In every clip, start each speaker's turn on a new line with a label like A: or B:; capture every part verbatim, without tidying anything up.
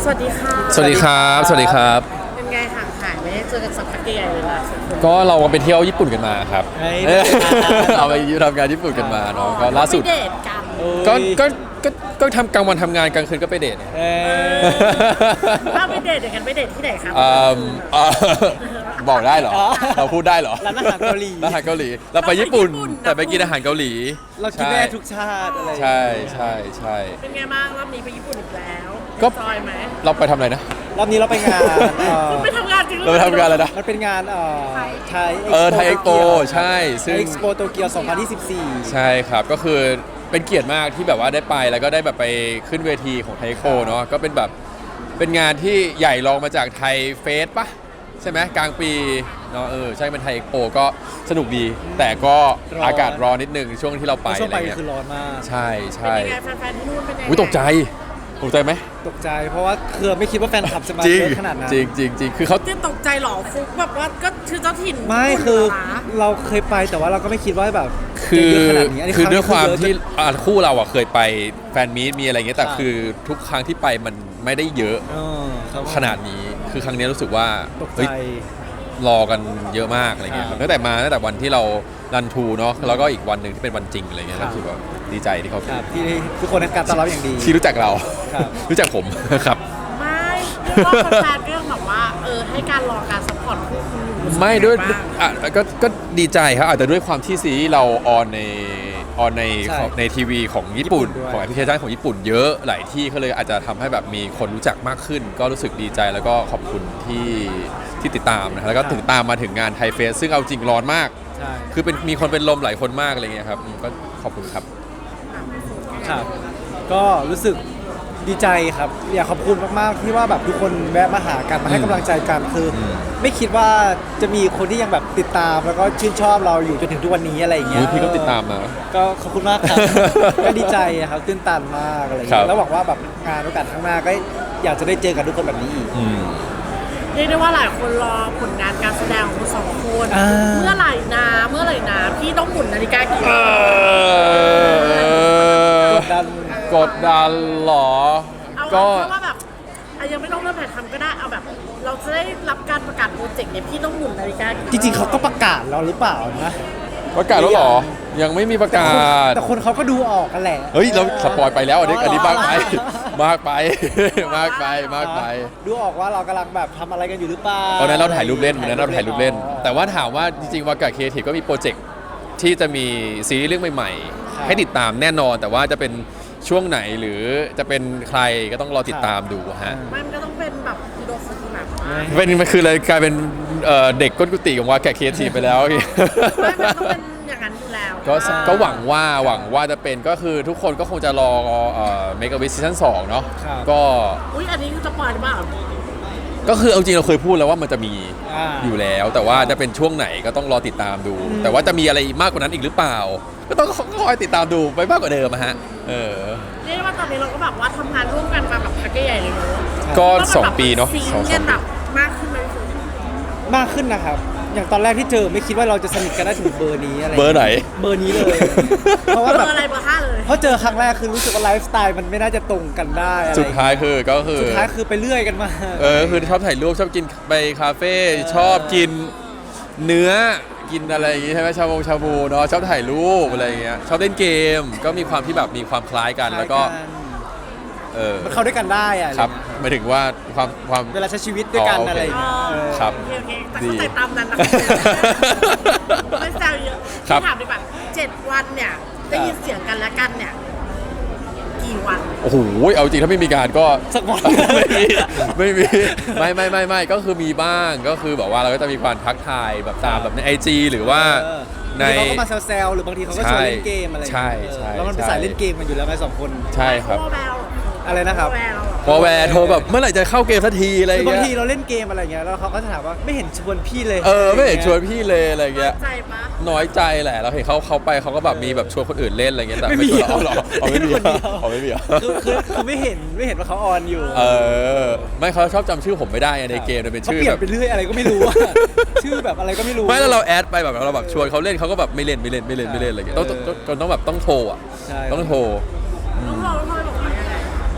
A: สวัสดีค่ะ
B: สวัสดีครับสวัสดีครับ
A: เป็นไงห่างหายไม่ได้เจอกันสักพักใหญ่เลยนะ
B: ก็เราไปเที่ยวญี่ปุ่นกันมาครับ
C: เฮ้ย
B: เราไปทำงานญี่ปุ่นกันมาเนาะก็ล่าสุด
A: ไปเดทกัน
B: ก็ก็ก็ก็ทำกลางวันทำงานกลางคืนก็ไปเดท
C: เออ
A: ถ้าไปเดทเดี๋ยวกันไปเดทที่ไหนครับ
B: อืมอ่าบอกได้เหรอ
C: อ๋อ
B: เราพูดได้เหรอ
C: ร้านอาหารเกาหลี
B: ร้านอาหารเกาหลีเราไปญี่ปุ่นแต่ไปกินอาหารเกาหลี
C: เรากินได้ทุกชาติอะไรอย่าง
B: ใช่
C: เงี้ย
B: ใช่ใช่
A: เป็นไงบ้างรอบนี้ไปญี่ปุ่นอีกแล้ว
B: ก็
A: จอยไหม
B: เราไปทำอะไรนะ
C: รอบนี้เราไปงานเอ่อ
A: คุณไปทำงานจริงหอ
B: เราไปทำงานอะไรนะ
C: มันเป็นงานเอ่อไทย
B: เออไทยเอ็กโปใช่ซึ่ง
C: เอ็กซ์โปโตเกียวสองพันยี่สิบสี่
B: ใช่ครับก็คือเป็นเกียรติมากที่แบบว่าได้ไปแล้วก็ได้แบบไปขึ้นเวทีของไทยโคเนาะก็เป็นแบบเป็นงานที่ใหญ่รองมาจากไทยเฟสปะใช่ไหมกลางปีเนาะเออใช่เป็นไทยโปก็สนุกดี แต่ก็อากาศร้อนนิดนึงช่วงที่เราไป
C: ช่วง
B: อะไร
C: ไป
B: เงี้ย
C: คือร้อนมาก
B: ใช่
A: เป็น
B: ใช่
A: ยังไงแฟนๆที่นู่นเป็นยังไง
B: อุ้ยตกใจตกใจไหม
C: ตกใจเพราะว่าคือไม่คิดว่าแฟนคลับจะมา
B: จริง
C: เยอะขนาดนั้น
B: จริงจริงจริงคือเขา
A: เต้นตกใจเหรอฟุกแบบว่าก็คือเจ้าถิ่น
C: ไม่คือ
A: เหรนะ
C: เราเคยไปแต่ว่าเราก็ไม่คิดว่าแบบ
B: คือ
C: จะเยอะขนาดนี้นนี้
B: คือด้วยความ
C: รั้งนี้
B: ที่
C: เยอะจน
B: อ่าคู่เราอ่ะเคยไปแฟนมีตมีอะไรเงี้ยแต่
C: ใช่
B: คือทุกครั้งที่ไปมันไม่ได้เยอะ
C: เออครับ
B: ขนาดนี้คือครั้งนี้รู้สึกว่า
C: ตกใจ
B: เฮ้ยรอกันเยอะมากอะไรเงี้ย
C: ครับ
B: ตั้งแต่มาตั้งแต่วันที่เรารันทูเนาะแล้วก็อีกวันหนึ่งที่เป็นวันจริงอะไรเงี้ย
C: ครับ
B: รู้สึกว่าดีใจที่เขา
C: ครับที่ทุกคนให้การต้อนรับอย่างดี
B: ที่รู้จักเรา
C: ครับ
B: รู้จักผม ครับ
A: ไม่เรียกว่าแฟนๆก็ยังแบบว่าเออให้การรอการซัพพอร์ตคู่คุณอยู่
B: ไม่ด้วย
A: บ้าง
B: อ่ะก็ก็ดีใจครับอาจจะด้วยความที่ซีรีส์เราออนในออนใน
C: ใช่
B: ของในทีวีของญี่ปุ่น
C: ญี่ปุ่นด้วย
B: ของแอปพลิเคชันของญี่ปุ่นเยอะหลายที่ก็เลยอาจจะทำให้แบบมีคนรู้จักมากขึ้น ก็รู้สึกดีใจแล้วก็ขอบคุณที่ที่ติดตามนะครับแล้วก็ถึงตามมาถึงงานไทยเฟสซึ่งเอาจริงร้อนมาก
C: ใช่
B: คือเป็นมีคนเป็นลมหลายคนมากอะไรเงี้ยครับอืมก็ขอบคุณครับ
C: ครับ ก็รู้สึกดีใจครับ อยากขอบคุณมาก ๆ ที่ว่าแบบทุกคนแวะมาหากันมาให้กำลังใจกันคืออ
B: ม
C: ไม่คิดว่าจะมีคนที่ยังแบบติดตามแล้วก็ชื่นชอบเราอยู่จนถึงทุกวันนี้อะไรอย่างเงี้
B: อุ๊
C: ย
B: ยพี่ก็ติดตามมา
C: ก็ขอบคุณมาก ครับ ก็ดีใจครับตื้นตันมากอะไรอย่าง
B: ครั
C: เงี้
B: บ
C: ยแล้วหวังว่าแบบงานโอกาสข้างหน้าก็อยากจะได้เจอกันทุกคนแบบนี้อีก
B: อืม
A: เรียกได้ว่าหลายคนรอผลงานการแสดงของคุณสองคน
C: อ่า
A: เมื่อไหร่นะเมื่อไหร่นะพี่ต้องหมุนนาฬิกากี่รอบ
C: กดดัน
B: กดดันเหรอ
A: เอา
B: ก็
A: เอาแค่ว่าแบบอ่ะยังไม่ต้องเริ่มถ่ายทำก็ได้เอาแบบ เราจะได้รับการประกาศโปรเจกต์เนี่ยพี่ต้องหมุนนาฬิกากี่
C: จริง ๆเขาก็ประกาศแล้วหรือเปล่านะ
B: ประกาศแล้วเหรอ ยังไม่มีประ
C: แต่
B: กา
C: คน
B: ศ
C: แต่คนเขาก็ดูออกกันแหละ
B: เฮ้ย เราสปอยไปแล้วอันนี้
C: อ๋อ
B: อันนี้
C: เหรอ
B: มากไป มากไป มากไปมากไป
C: ดูออกว่าเรากำลังแบบทำอะไรกันอยู่หรือเปล่า
B: ตอนนั้นเราถ่ายรูปเล่นวันนั้นเราถ่ายรูปเล่น
C: อ๋อ
B: แต่ว่าถามว่าจริงๆวากาเคทีก็มีโปรเจกต์ที่จะมีซีรีส์เรื่องใหม่
C: ครับ
B: ๆ ให้ติดตามแน่นอน แต่ว่าจะเป็นช่วงไหนหรือจะเป็นใครก็ต้องรอติดตามดูฮะ
A: ไม่มันก็ต้องเป็นแบบอิโดฟุกุแบบว่า
B: เป็นมันคือเลยกลายเป็นเอ่อเด็กก้นกุฏิของวากาเคทีไปแล้ว
A: ไม่มันต้องเป็นอย่างนั้นอยู่แล้ว
B: ก็ก็หวังว่าหวังว่าจะเป็นก็คือทุกคนก็คงจะรอเอ่อเมกะวิสซีซั่นสองเนาะ
C: ครับ
B: ก็
A: อุ้ยอันนี้คือจะปล่อยหรือเปล่า
B: ก็คือเอาจริงเราเคยพูดแล้วว่ามันจะมี
C: อ่า
B: อยู่แล้ว แต่ว่าจะเป็นช่วงไหนก็ต้องรอติดตามดู
C: อืม
B: แต่ว่าจะมีอะไรมากกว่านั้นอีกหรือเปล่า ก็ต้องคอยติดตามดูไปมากกว่าเดิมอะฮะเออ
A: เรียกได้ว่าตอนนี้เราก็แบบว่าทำงานร่วมกันมาแบบพักใหญ่เลยเนอะ
B: ก็
A: ว่ามัน
B: สอง
A: แบบ
B: ปีเนาะ
A: ซิง
B: สอง
A: ค์
B: ส
A: กั
B: อน ง
A: แบ
B: ปี
A: บมากขึ้นไหมคุณ
C: มากขึ้นนะครับ อย่างตอนแรกที่เจอไม่คิดว่าเราจะสนิทกันได้ถึงเบอร์นี้อะไร
B: เบอร์ไหน
C: เบอร์นี้เลย เพราะ
A: เบ
C: ว่า
A: อ
C: แบบ
A: ร์อะไรเบอร์ห้าเลย
C: เพราะเจอครั้งแรกคือรู้สึกว่าไลฟ์สไตล์มันไม่น่าจะตรงกันได้อะไร
B: สุดท้ายคือก็คือ
C: สุดท้ายคือไปเรื่อยกันมา
B: เออคือชอบถ่ายรูปชอบกินไปคาเฟ่
C: เออ
B: ชอบกินเนื้อกินอะไรอย่างงี้ใช่ไหมชาบูชาบูเนาะชอบถ่ายรูปอะไรอย่างเงี้ยชอบเล่นเกม ก็มีความที่แบบมีความคล้ายกันแล้วก็เออ
C: มันเข้าด้วยกันได้อะ
B: ครับหมายถึงว่าความความ
C: เวลาใช้ชีวิตด้วยกัน
B: อ๋อโอเค
C: อะไรอย่างเงี้ยเออ
B: ครับ
A: โอเคโอเคแต่
B: ดี
A: เข้าใจตามนั้นนะไม่แซวเยอะ
B: ครับ
A: พี่ถามดีกว่าเจ็ดวันเนี่ยได้ยินเสียงกันและกันเนี่ยกี่วัน
B: โอ้โหเอาจริงถ้าไม่มีการก็
C: สักวัน
B: ไม่มีไม่มีไม่ไม่ไม่ไม่ก็คือมีบ้างก็คือแบบว่าเราก็จะมีการทักทายแบบตามแบบในไอจีหรือว่า
C: เออ
B: ใน
C: บางทีเขาก็มาแซวๆหรือบางทีเขาก็ชวนเล่นเกมอะไรอย่าง
B: ใช่
C: เงี้ย
B: ใช่
C: เออแล้วมันเป็น
B: ใช่
C: สายเล่นเกมกันอยู่แล้วไงสองคน
B: ใช่ครับ
A: โอแวว
C: อะไรนะครับ
A: โอแวว
B: พอแวร์โทรแบบเมื่อไหร่จะเข้าเกมสักทีอะไรอ
C: คื
B: ย่าง
C: อบาง
B: เงี้
C: ที
B: ย
C: เราเล่นเกมอะไรเงี้ยแล้วเขาก็จะถามว่าไม่เห็นชวนพี่เลย
B: เออไม่เห็นชวนพี่เลยอะไรเงี้ย
A: ใจปะ
B: น้อยใจแหละเราเห็นเขาเขาไปเขาก็แบบมีแบบชวนคนอื่นเล่นอะไรเงี้ยแต่
C: ไม่
B: ไม่
C: มี
B: ชวนเราหรอเอาไม่มี
C: คนเดียว
B: เอาไม่มีเหรอ
C: คือคือคือไม่เห็นไม่เห็นว่าเขาออนอยู่
B: เออไม่เขาชอบจำชื่อผมไม่ได้ไงในเกมมันเป็น
C: เขา
B: ชื่อ
C: เปลี่ย
B: แบ
C: น
B: บ
C: ไปเรื่อยอะไรก็ไม่รู้อะ ชื่อแบบอะไรก็ไม่รู้
B: ไม่แล้วเราแอดไปแบบเราแบบชวนเขาเล่นเขาก็แบบไม่เล่นไม่เล่นไม่เล่นไม่เล่นอะไรเงี้ยต้องต้องต้องต้องแบบต้องโทรอ่ะ
C: ใช่
B: ต้องโทร
A: ต้องรอต้องรอบอกว่ายังไง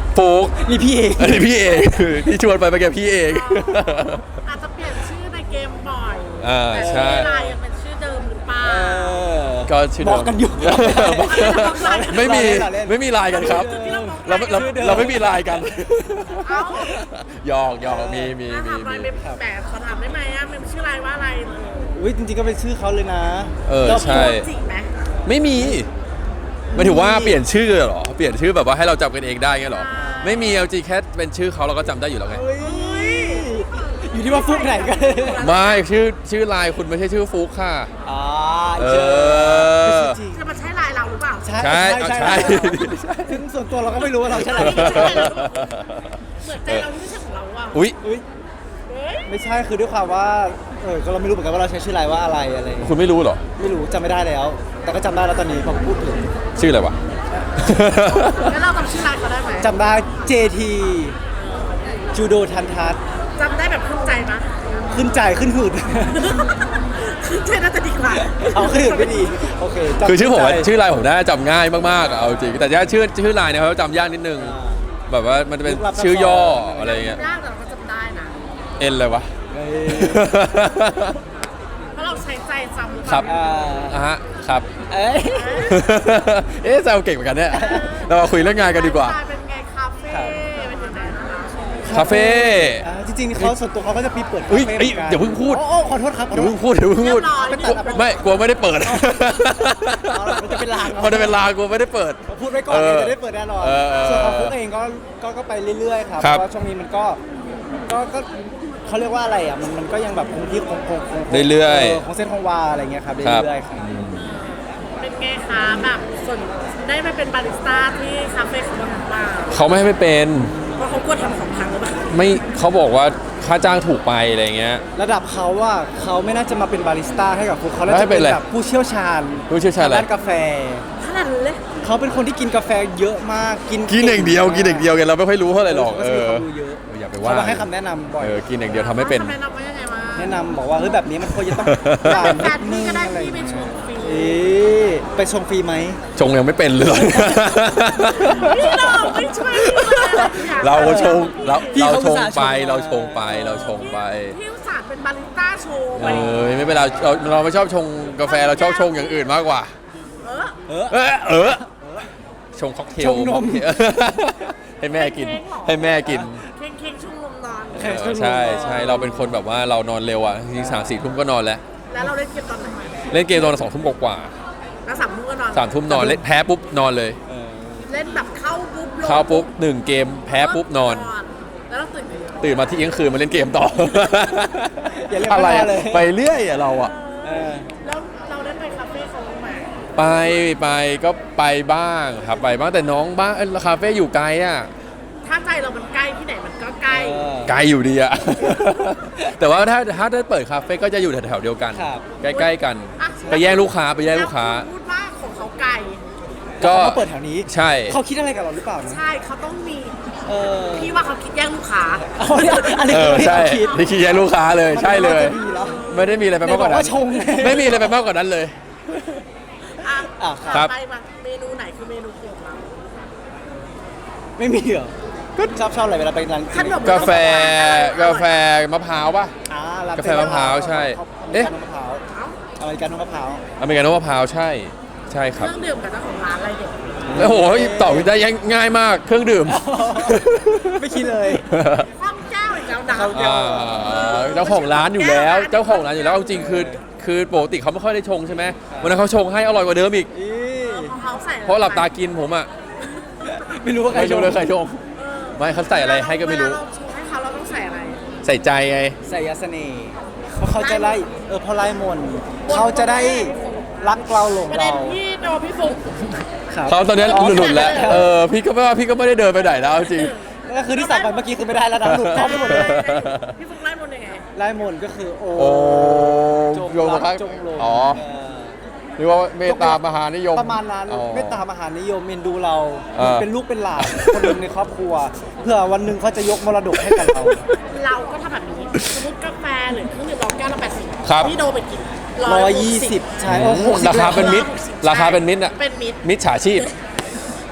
B: ฟุก
C: นี่พี่เอง
B: อันนี้พี่เองที่ชวนไปเมื่อกี้พี่เอง
A: อาจจะเปลี่ยนชื่อในเกมบ่อย
B: อ่า
A: แต่
B: ใช่
A: ชื่อไลน์ยังเป็นชื่อเดิมหรือเปล่า
B: ก็ชื่อ
C: บ
B: เดิ
C: อก
B: ม
C: กันอยู่
B: ไม่มี
C: เราเล่น
B: ไม่มีไลน์กันครับ เราเราเราไม่มีไลน์กัน
A: เอ้า
B: หยอกหยอกมีมี
A: ถ้า
B: มี
A: ถามอะไร
B: มี
A: เป็นแบบขอถามได้ไหมอ่ะมันชื่อไลน์ว่าอะไร
C: อุ้ยจริงๆก็เป็นชื่อเขาเลยนะ
B: เออใช่
A: จริงไหม
B: ไม่มีหมายถึงว่าเปลี่ยนชื่อเหรอเปลี่ยนชื่อแบบว่าให้เราจำกันเองได้ไงเหรอไม่มีเอาจริงแค่เป็นชื่อเขาเราก็จำได้อยู่แล้วไง
C: เฮ้ยอยู่ที่ว่าฟุกไหนกัน
B: ไม่ชื่อชื่อไลน์คุณไม่ใช่ชื่อฟุกค่ะ
C: อ๋อ
B: เออ
C: ชื่อจริง
A: จะมาใช้ไลน์เราหรือเปล่า
C: ใช่
B: ใช่เอาใช่
C: ซึ่งส่วนตัวเราก็ไม่รู้ว่าเราใช่อะไร
A: เหมือนใจเราที่ไม่ใช่ของเราอ่ะ
B: อุ๊ย
C: อุ้ย
A: เฮ้ย
C: ไม่ใช่คือด้วยความว่าเออก็เราไม่รู้เหมือนกันว่าเราใช้ชื่ออะไรว่าอะไรอะไรอย่างเงี้ย
B: คุณไม่รู้เหรอ
C: ไม่รู้จำไม่ได้แล้ว แต่ก็จำได้แล้วตอนนี้พอพูดถึง
B: ชื่ออะไรวะ
A: แล้วเราจำชื่อไลน์เขาได้ไหม
C: จำได้ เจ ที จูโดทันทัศน์
A: จำได้แบบขึ้นใจมั้ย
C: ขึ้นใจขึ้นหืด
A: ขึ้นใจน่าจะดีกว่า
C: เอาขึ้นหืดไม่ดีโอเคจำ
B: คือชื่อผมอะ
C: ขึ้นใจ
B: ชื่อไลน์ผมน่าจะจำง่ายมากๆอะเอาจริงแต่ถ้าชื่อชื่อไลน์เนี่ยเขาจำยากนิดนึง
C: อ่า
B: แบบว่ามันจะเป็น
C: ลึกลับซับซ้อน
B: ชื่อย่ออะไรเงี้ย
A: ยากแต่เราก็จำได้นะ
B: เอ็นเลยวะ
C: เอ้ย
A: เพราะเราใช้ใจจำหรือเป
B: ครั
A: ล่า
B: บ
C: อ่า
B: อ่ะฮะครับ
C: เอ้ย
B: เอ๊ะแซวเก่งเหมือนกันเนี่ยเรามาคุยเรื่องงานกันดีกว่า
A: เป็นไงคาเฟ่เป็นยังไงนะคะ
B: คาเฟ่
C: อ่าจริงๆเขาส่วนตัวเขาก็จะมีเปิดคา
B: เฮ้ย
C: เฟ่
B: เอ้ย
C: หมืนกัน
B: อย่าเพิ่งพูด
C: โอ้โอ้ขอโทษครับขอ
B: เดี๋ยว
C: โท
B: เพิ่
C: ษ
B: งพูดเดี๋ยวเพิ่งพูด
A: เรียบร้อย
C: ไม่ตัดอะ
B: ไม่กลัวไม่ได้เปิด
C: เอาล่ะมันจะเป็นลาง
B: มันจะเป็นลางกลัวไม่ได้เปิด
C: พูดไว้ก่อน
B: เออ
C: เลยจะได้เปิดแน่นอน
B: เออเออ
C: ส่วนของฟุกเองก็ก็ก็ไปเรื่อยๆครับ
B: ค
C: เพ
B: รับ
C: ราะว่าช่วงนี้มันก็ก็ก็เขาเรียกว่าอะไรอ่ะมันมันก็ยังแบบคงที่คงคงคง
B: เรื่อยๆ
C: คงเส้นคงวาอะไรเงี้ยครับ
B: ครับ
C: เรื่อยๆครับ
A: เป็นไงคะแบบส่วนได้มาเป็นบาริสต้าที่คาเฟ่ของเราหรือเปล่า
B: เขาไม่ให้ไม่เป็น
A: เพราะเขากลัวทำของพังหรือเปล่า
B: ไม่เขาบอกว่าค่าจ้างถูกไปอะไรเงี้ย
C: ระดับเขาว่าเขาไม่น่าจะมาเป็นบาริสต้าให้กับฟุกเขาน่า
B: แล้วให้
C: จะ
B: เป็
C: เป็น น
B: อะไร
C: แบบผู้เชี่ยวชาญ
B: ผู้เชี่ยวชาญอะไร
C: ด้านกาแฟ
A: ขนาดนั้นเลย
C: เขาเป็นคนที่กินกาแฟเยอะมากกิน
B: กินอย่างเดียวกินอย่างเดียวกันเราไม่ค่อยรู้เท่าไหร่หรอก
C: เขา
B: เอ
C: จะมี
B: อ
C: ความรู้เยอะ
B: อย่าไป
C: เขา
B: ว่า
C: มาให้คำแนะนำบ่อย
B: เออกินอย่างเดียวทำไม่เป็น
A: ทำไมเราว่ายังไงวะ
C: แนะนำบอกว่าเฮ้ยแบบนี้มันควรจะต้องหวาน
A: แฟ
C: นิ
A: น
C: ดนึ
A: พี่
C: ง
A: ก็ได้
C: อะไร
A: พี่ไปชมฟรี
C: เอ๊ะไปชมฟรีไหม
B: ชงยังไม่เป็นเลย
A: พี่เราไม่ช่วยพี่เลยอยก
B: เราชงเรา
C: พี่
B: เรา
C: เขา
B: ช
C: อุต
B: ง
C: ส่าห์
B: ไป
C: ชง
B: เราชงไปเราชงไป
A: พี่อุตส่าห์เป็นบาริสต้าโชว์ไป
B: เออไม่เป็นไรเราเราไม่ชอบชงกาแฟเราชอบชงอย่างอื่นมากกว่า
A: เออ
C: เออ
B: เออเออชงค็อกเทล
C: ชงนม
B: ค็อกเทล ให้แม่กิน ให้แม่กิน
A: เค้งเค้งชุ่มลมนอน
C: เค้ง
B: เออใช่ใช่เราเป็นคนแบบว่าเรานอนเร็วอ่ะจริงๆสามสี่ทุ่มก็นอนแล้ว
A: แล้วเราเล่นเกมตอนไหน
B: เล่นเกมตอนสองทุ่มกว่า
A: แล้วสามทุ่มก็นอน
B: ๆสามทุ่มนอนเล่นแพ้ปุ๊บนอนเลย
C: เออ
A: เล่นแบบเข้าปุ๊บลง
B: เข้าปุ๊บหนึ่งเกมแพ้ปุ๊บนอน
A: แล้วเราตื่น
B: ตื่นมาที่เที่ยงคืนมาเล่นเกมต่อ
C: อย่าเรียก
B: อะไร
C: ว่า
B: อะ
C: เลย
B: ไปเรื่อยอะเราอะ
C: เออ
A: แล้วเราได้ไปคาเฟ่เขาไหม
B: ไปไปก็ไปบ้างครับไปบ้างแต่น้องบ้างเอ้ยคาเฟ่อยู่ไกลอะ
A: ถ้าใจเรามันใกล้ที่ไหนมันก็ใกล้
C: เออ
B: ไกลอยู่ดีอะ แต่ว่าถ้าถ้าได้เปิดคาเฟ่ก็จะอยู่แถวๆเดียวกัน
C: ครับ
B: ใกล้ๆกัน
A: อ่ะ
B: ไปแย่งลูกค้าไปแย่งลูกค้า
A: แล้วณพูดว่าของเขาไกล
B: ก็
C: เขามาเปิดแถวนี้
B: ใช่
C: เขาคิดอะไรกับเราหรือเปล่านะ
A: ใช่เขาต้องมี
C: เออ
A: พี่ว่าเขาคิดแย่งลูกค้า
C: เอาเนี่ยอันนี้
B: เอ
C: คือ
B: อ
C: ที่
B: ใช่
C: เขาคิด
B: ที่คิดแย่งลูกค้าเลยใช่เลย
C: มันไม่น่าจะดีแล้ว
B: ไม่ได้มีอะไรไปมากกว่านั้น
C: ไหนบอกว่าชงไง
B: ไม่มีอะไรไปมากกว่านั้นเลย
A: อ่ะ
C: อ่ะ
B: ครับ
A: ต่อไปมาเมนูไหนคือเมนูโปรดเรา
C: ไม่มีเหรอก็ชอบชอบอะไรเวลาไปร้าน
A: ขนม
B: กาแฟกาแฟมะพร้าวป่ะ
C: อ่าร้น
B: กาแฟมะพร้าวใช่
C: เอ๊ะ
B: เอ๊ะ
C: มะพร้าว
A: เอ้า
C: อเมริกาโน่มะพร้าว
B: อเมริกาโน่มะพร้าวใช่ใช่ค
A: เครับ รื่องดื่มกับเจ้าของร้านอะไรเด็ก
B: โอ้โหตอบได้ง่ายมากเครื่องดื่ม
C: ไม่คิดเลย
A: คว่ำแก้วอีกแล้วนะ
C: เขา
B: อ่าเจ้าของร้านอยู่แล้ว เจ้าของร้านอยู่แล้วเอาจริงคือคือปกติเขาไม่ค่อยได้ชงใช่ไหมวันนั้นเขาชงให้อร่อยกว่าเดิมอีก
C: อี
A: เพราะเขาใส่
B: เพราะหลับตากินผมอ่ะ
C: ไม่รู้ว่าใคร
B: ไม่
C: ช
B: รู้
C: ง
B: เลยใครชงไม่เขาใส่อะไรให้ก็ไม่รู้
A: เวลาเราชงให้เขาเราต้องใส่อะไร
B: ใส่ใจไง
C: ใส่ยาเสน่ห์เพราะเขาจะไล่เออพอไล่มนต์เขาจะได้รักเราหลง
A: ประเด็
C: เรา
A: นที่โดนพี่ฟุก
C: ครับ
B: เขาตอนนี้หลุดๆแล้วเออพี่ก็ไม่ว่าพี่ก็ไม่ได้เดินไปไหนแล้วจริง
C: ก็คือที่สั่งไปเมื่อกี้คือไม่ได้แล้วนะหลุดเข้าไปหมดเลย
A: พี่ฟุกไล่มนต์ยังไง
C: ไล่มนต์ก็คือโอ้
B: โอ้
C: จง
B: โยม
C: รั
B: ครั
C: ก
B: บ
C: จงหลง
B: อ๋อ
C: เออ
B: หรือว่าเมตตามหานิยม
C: ประมาณนั้น
B: อ๋อ
C: เมตตามหานิยมเมนดูเรา
B: อ่า
C: เป็นลูกเป็นหลานคนหนึ่งในครอบครัว เพื่อวันหนึ่งเขาจะยกมรดกให้กับเรา
A: เราก็ทำแบบนี้สมมติกาแฟหรือเครื่องดื่มเราแก้วละแปดสิบ
B: ครับ
A: พี่โดไปกิน
C: ร้อยยี่สิบใช่โอ้โห
B: ราคาเป็นมิตรราคาเป็นมิตรอ่ะ
A: เป็นมิตร
B: มิตรฉาชีพ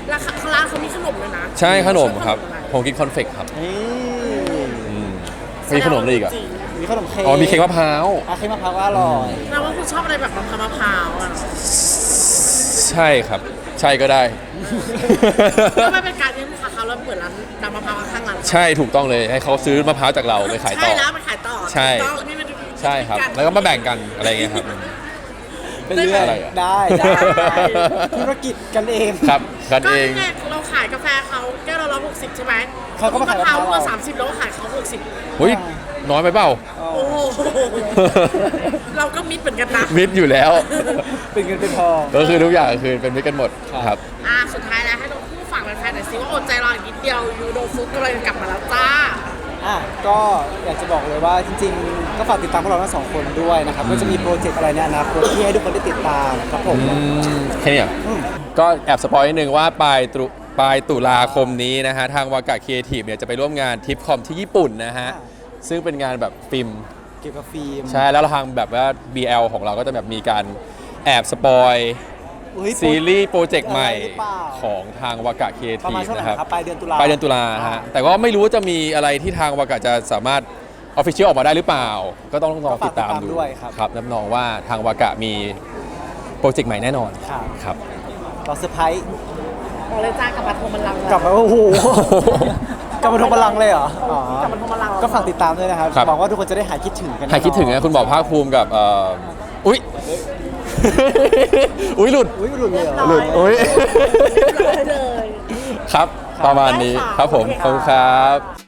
A: แล้วข้างล่างเขามีขนมเลยนะ
B: ใช่ขนมครับ
A: ขนอะไร
B: ผมกินคอนเฟกครับ
C: นี่
B: อืมมีขนมอะไรอีกอ่ะ
A: จริง
C: มีขนมเค้ก
B: อ๋อมีเค้กมะพร้าว
C: อ่ะเค้กมะพร้าวก็อร่อย
A: แปลว่าคุณชอบอะไรแบบมะพร้าวมะพร้าวอ่ะ
B: ใช่ครับ ใช่ก็ได้
A: ก็ไม่เป็นการที่ลูกค้าเขาแล้วเปิดร้านนำมะพร้าวข้างร้าน
B: ใช่ถูกต้องเลยให้เขาซื้อมะพร้าวจากเราไปขายต่อ
A: ใช่แล้วไปขายต่อ
B: ใช่
A: ถูกต้องนี่มัน
B: ใช่ครับ แล้วก็มาแบ่งกันอะไรอย่างเงี้ยครับ
C: ไปเรื่อย
B: อะไรอ่ะ
C: ได้ได้ธุรกิจกันเอง
B: ครับกัน
A: ก็
B: เอง
A: นี่ไงเราขายกาแฟเขาแก้วละร้อยหกสิบใช่ไหม
C: เขาก็มาขาย
A: มะพร้าว
C: มะพร้าว
A: มาสามสิบแล้วก็ขายเขาหกสิบ
B: เฮ้ยน้อยไปเปล่า
A: โอ้โหเราก็มิดเหมือนกันนะ
B: มิดอยู่แล้ว
C: เป็นเงินเป็นทอง
B: ก็คือทุกอย่างคือเป็นมิดกันหมดครับ
A: อ่ะสุดท้ายแล้วให้น้องผู้ฝากแฟนๆหน่อยสิว่าอดใจรออีกนิดเดียวยูโดฟุตกำลังจะกลับมาแล้วจ้า
C: อ่ะก็อยากจะบอกเลยว่าจริงๆ ก็ฝากติดตามพวกเราทั้งสองคนด้วยนะครับก็จะมีโปรเจกต์อะไรในอนาคตที่ให้ทุกคนได้ติดตามครับผม
B: อืมแค่เนี้ยก็แอบสปอยนิดนึงว่าปลายตุปลายตุลาคมนี้นะฮะ ทางวากาครีเอทีฟเนี่ยจะไปร่วมงานทิปคอมที่ญี่ปุ่นนะฮะ ซึ่งเป็นงานแบบฟิล์ม
C: เกี่ยวกับฟิล์ม
B: ใช่ แล้วทางแบบว่า บี แอล ของเราก็จะแบบมีการแอบสปอย
C: อุ๊ย
B: ซีรีส์โปรเจกต์ใหม่
C: อะไรหรือเปล่า
B: ของทางวากาครีเอ
C: ประ
B: ที
C: มาณ
B: ฟ
C: ช่วงไหน
B: นะครับ
C: ครับปลายเดือนตุลา
B: ปลายเดือนตุลาฮะ แต่ก็ไม่รู้ว่าจะมีอะไรที่ทางวากาจะสามารถออฟฟิเชียลออกมาได้หรือเปล่า ก็ต้องลองติดตามดู
C: ด้วยครับ
B: ครับรับรองว่าทางวากามีโปรเจกต์ใหม่แน่นอน
C: ครับ
B: ครับ
C: เราเซอร์ไพรส์
A: บอกเลยจ้ากลับมาโทรมันลัง
C: กลับมาโอ้โหกลับมาทงพลังเลยเหรออ๋อก
A: ลับมาโทรมันลัง
C: ก็ฝากติดตามด้วยนะครับ
B: ครับ
C: หวังว่าทุกคนจะได้หายคิดถึงกัน
B: ใครคิดถึงนะคุณบอกภาคภูมิกับเอ่ออุ้ย อุ้ยหลุด
C: อุ้ยหลุดเลยเหรอ
B: หลุดอุ้ย
A: เลย
B: ครับ ประมาณนี้
A: ได้ค่ะ
B: ครับผม
A: โอเค
B: ขอบคุณ
A: ค่ะ
B: ครับ